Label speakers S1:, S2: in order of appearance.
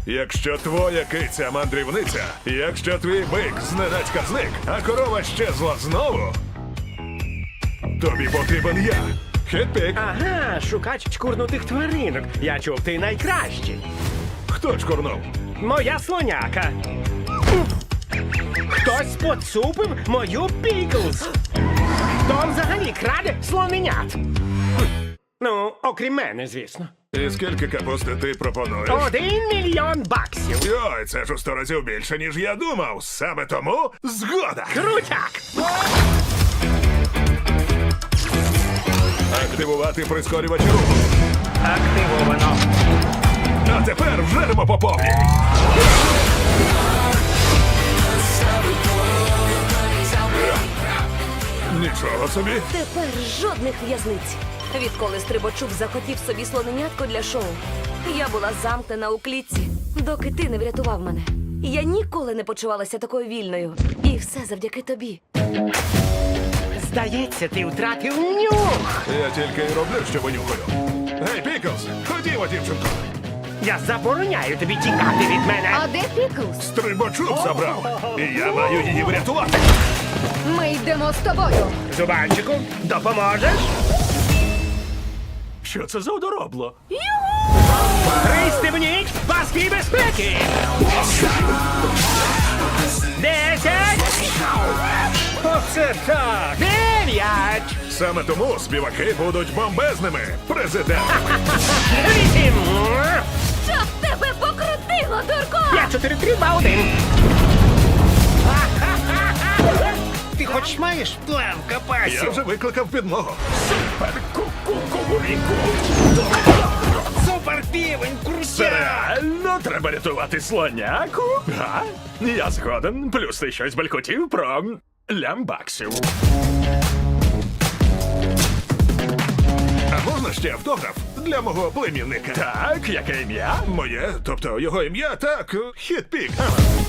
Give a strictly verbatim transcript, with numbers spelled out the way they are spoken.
S1: Якщо твоя киця мандрівниця, якщо твій бик зненацька зник, а корова щезла знову, тобі потрібен я. Хетпік.
S2: Ага, шукач чкурнутих тваринок. Я чув, ти найкращий.
S1: Хто чкурнув?
S2: Моя слоняка. Хтось поцупив мою Піклз. Хто взагалі краде слоненят? Ну, окрім мене, звісно.
S1: І скільки капусти ти пропонуєш?
S2: Один мільйон баксів.
S1: Йой, це ж у сто разів більше, ніж я думав. Саме тому згода.
S2: Крутяк!
S1: Активувати прискорювач руху.
S2: Активовано.
S1: А тепер вжеремо по повній. Нічого собі.
S3: Тепер жодних в'язниць. Відколи Стрибачук захотів собі слоненятко для шоу, я була замкнена у клітці, доки ти не врятував мене. Я ніколи не почувалася такою вільною. І все завдяки тобі.
S2: Здається, ти втратив нюх.
S1: Я тільки й роблю, що винюхаю. Гей, Піклз, ходімо, дівчинко.
S2: Я забороняю тобі тікати від мене.
S4: А де Піклз?
S1: Стрибачок забрав. І я маю її врятувати.
S4: Ми йдемо з тобою.
S2: Зубанчику, допоможеш? Що це за одоробло? Пристебніть паски безпеки! Десять! Оце так! Дев'ять!
S1: Саме тому співаки будуть бомбезними. Президент.
S2: Вісім!
S3: Щоб тебе покрутило, дурко!
S2: П'ять, чотири, три, два, один! Ти хоч маєш план
S1: Я
S2: капасів?
S1: вже викликав підмогу.
S2: Супер ку-ку-ку-ку-ку! Супер півень, крутяк!
S5: Реально треба рятувати слоняку? Га? Я згоден. Плюс ти щось балькотів про лямбаксів.
S1: А можна ще автограф для мого племінника?
S5: Так, яке ім'я?
S1: Моє, тобто його ім'я, так, Хетпік.